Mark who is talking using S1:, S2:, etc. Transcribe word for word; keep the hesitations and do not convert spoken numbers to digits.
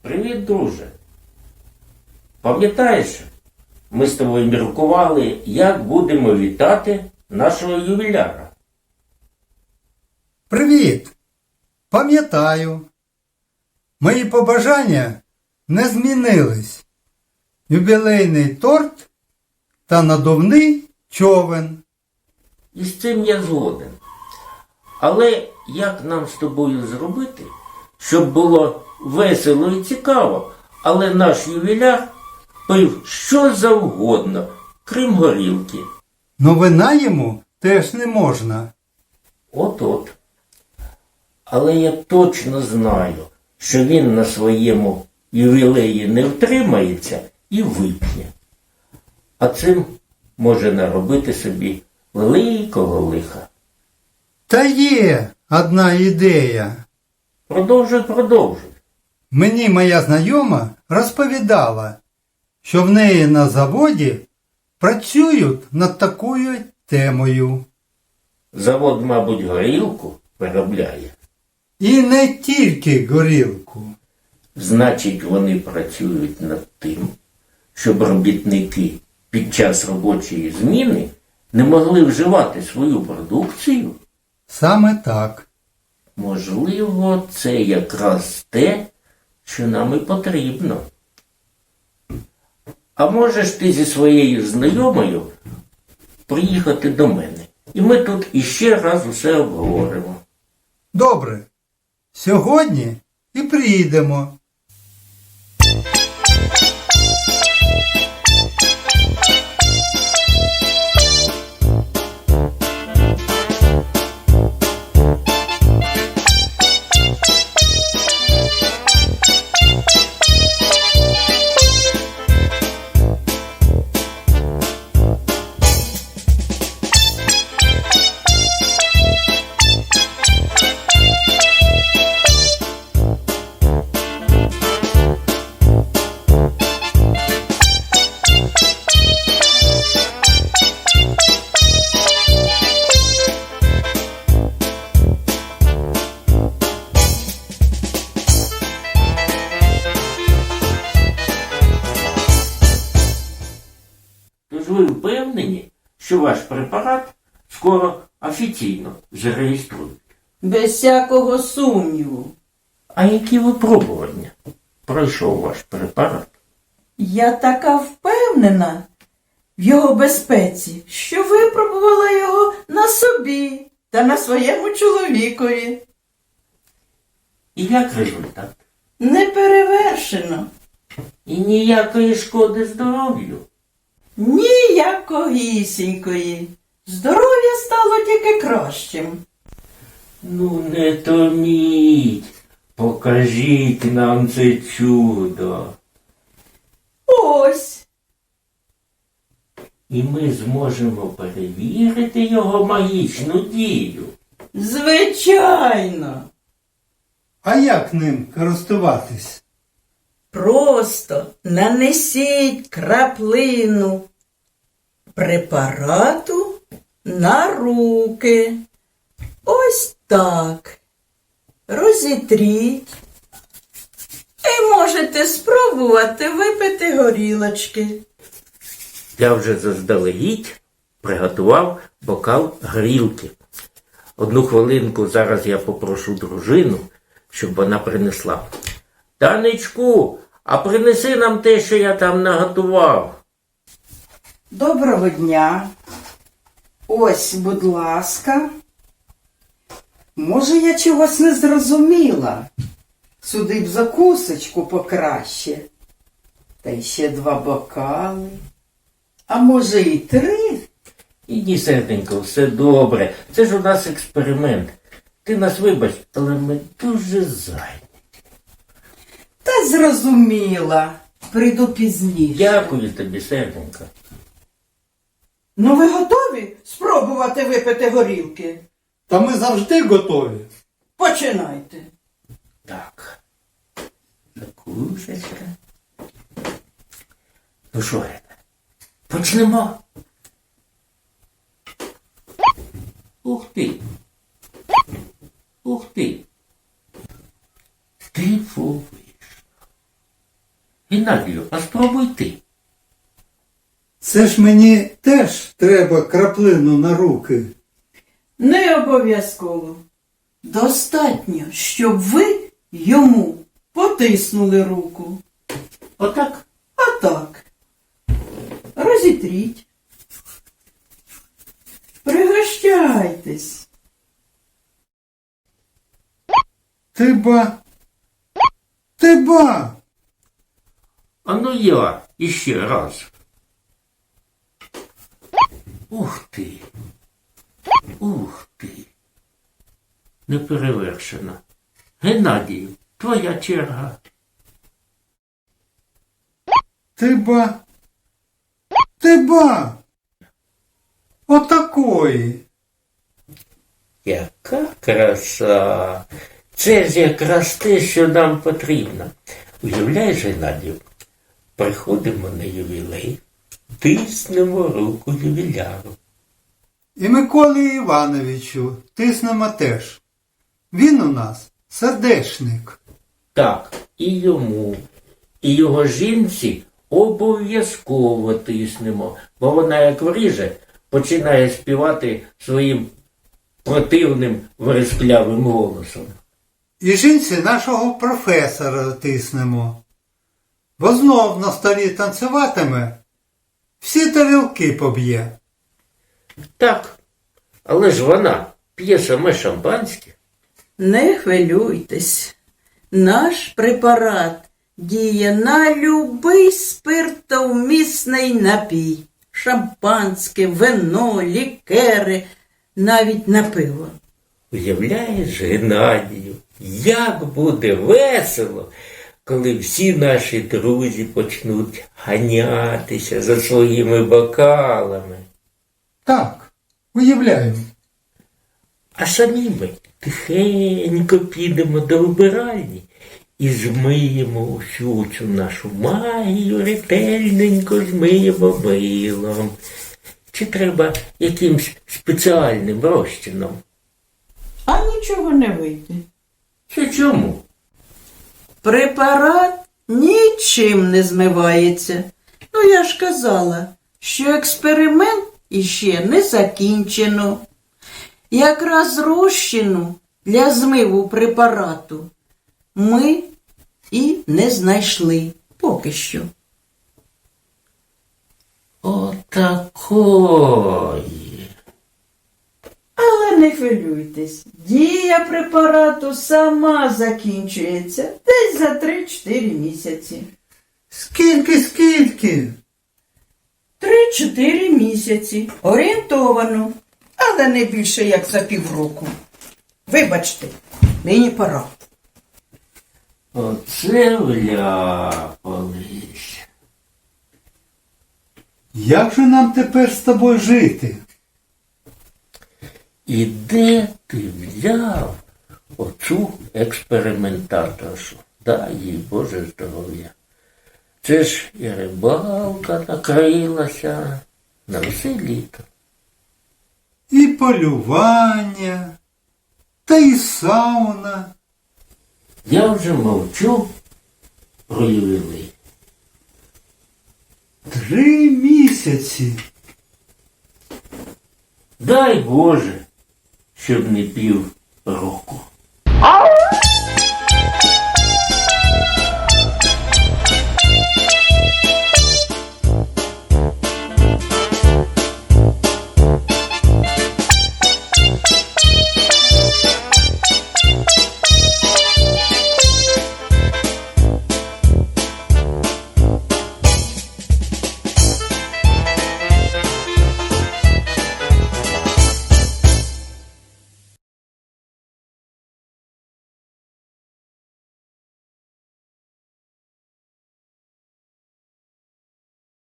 S1: Привіт, друже. Пам'ятаєш, ми з тобою міркували, як будемо вітати нашого ювіляра.
S2: Привіт! Пам'ятаю. Мої побажання не змінились. Юбілейний торт та надувний човен.
S1: І з цим я згоден. Але як нам з тобою зробити, щоб було весело і цікаво, але наш ювіляр пив що завгодно, крім горілки?
S2: Но вина йому теж не можна.
S1: От-от. Але я точно знаю, що він на своєму ювілеї не втримається і вип'є. А цим може наробити собі великого лиха.
S2: Та є одна ідея.
S1: Продовжуй, продовжуй.
S2: Мені моя знайома розповідала, що в неї на заводі працюють над такою темою.
S1: Завод, мабуть, горілку виробляє.
S2: І не тільки горілку.
S1: Значить, вони працюють над тим, щоб робітники під час робочої зміни не могли вживати свою продукцію.
S2: Саме так.
S1: Можливо, це якраз те, що нам і потрібно. А можеш ти зі своєю знайомою приїхати до мене? І ми тут іще раз усе обговоримо.
S2: Добре. Сьогодні і приїдемо.
S1: Тож ви впевнені, що ваш препарат скоро офіційно зареєструють?
S3: Без всякого сумніву.
S1: А які випробування пройшов ваш препарат?
S3: Я така впевнена в його безпеці, що випробувала його на собі та на своєму чоловікові.
S1: І як результат?
S3: Неперевершено.
S1: І ніякої шкоди здоров'ю.
S3: Ніякогісінької. Здоров'я стало тільки кращим.
S1: Ну не томіть, покажіть нам це чудо.
S3: Ось.
S1: І ми зможемо перевірити його магічну дію.
S3: Звичайно.
S2: А як ним користуватись?
S3: Просто нанесіть краплину препарату на руки. Ось так. Розітріть. І можете спробувати випити горілочки.
S1: Я вже заздалегідь приготував бокал горілки. Одну хвилинку зараз я попрошу дружину, щоб вона принесла. Танечку, а принеси нам те, що я там наготував.
S3: Доброго дня. Ось, будь ласка. Може, я чогось не зрозуміла. Сюди б закусочку покраще. Та й ще два бокали. А може і три?
S1: Іди, серденько, все добре. Це ж у нас експеримент. Ти нас вибач, але ми дуже зайняті.
S3: Та зрозуміла. Прийду пізніше.
S1: Дякую тобі, серденько.
S3: Ну ви готові спробувати випити горілки?
S2: Та ми завжди готові.
S3: Починайте.
S1: Так. Закусочка. Ну що, Рена, почнемо? Ух ти. Ух ти. Диво вийшло. Геннадію, а спробуй ти.
S2: Це ж мені теж треба краплину на руки.
S3: Не обов'язково. Достатньо, щоб ви йому потиснули руку.
S1: Отак?
S3: А так. Розітріть. Пригощайтесь.
S2: Ти ба. Ти ба.
S1: А ну я іще раз. Ух ти. Ух ти. Неперевершено. Геннадію, твоя черга.
S2: Ти ба. Ти ба. Отакої.
S1: Яка краса! Це ж якраз те, що нам потрібно. Уявляєш, Геннадію, приходимо на ювілей, тиснемо руку ювіляру.
S2: І Миколі Івановичу тиснемо теж. Він у нас сердечник.
S1: Так, і йому, і його жінці обов'язково тиснемо, бо вона, як вріже, починає співати своїм противним вересклявим голосом.
S2: І жінці нашого професора тиснемо. Бо знов на столі танцюватиме, всі тарілки поб'є.
S1: Так, але ж вона п'є саме шампанське.
S3: Не хвилюйтесь. Наш препарат діє на любий спиртовмісний напій. Шампанське, вино, лікери, навіть на пиво.
S1: Уявляєш, Геннадію, як буде весело, коли всі наші друзі почнуть ганятися за своїми бокалами.
S2: Так, уявляю.
S1: А самі ми тихенько підемо до вбиральні і змиємо усю цю нашу магію, ретельненько змиємо милом. Чи треба якимсь спеціальним розчином?
S3: А нічого не вийде.
S1: Це чому?
S3: Препарат нічим не змивається. Ну, я ж казала, що експеримент іще не закінчено. Якраз розчину для змиву препарату ми і не знайшли поки що.
S1: Отакої.
S3: Але не хвилюйтесь, дія препарату сама закінчується десь за три-чотири місяці.
S2: Скільки, скільки?
S3: Три-чотири місяці. Орієнтовано. Але не більше, як за півроку. Вибачте, мені пора.
S1: Оце вляпались.
S2: Як же нам тепер з тобою жити?
S1: І де ти взяв оцю експериментаторшу? Дай їй Боже здоров'я. Це ж і рибалка накрилася на все літо.
S2: І полювання, та й сауна.
S1: Я вже мовчу про ювілей.
S2: Три місяці.
S1: Дай Боже, щоб не пів року.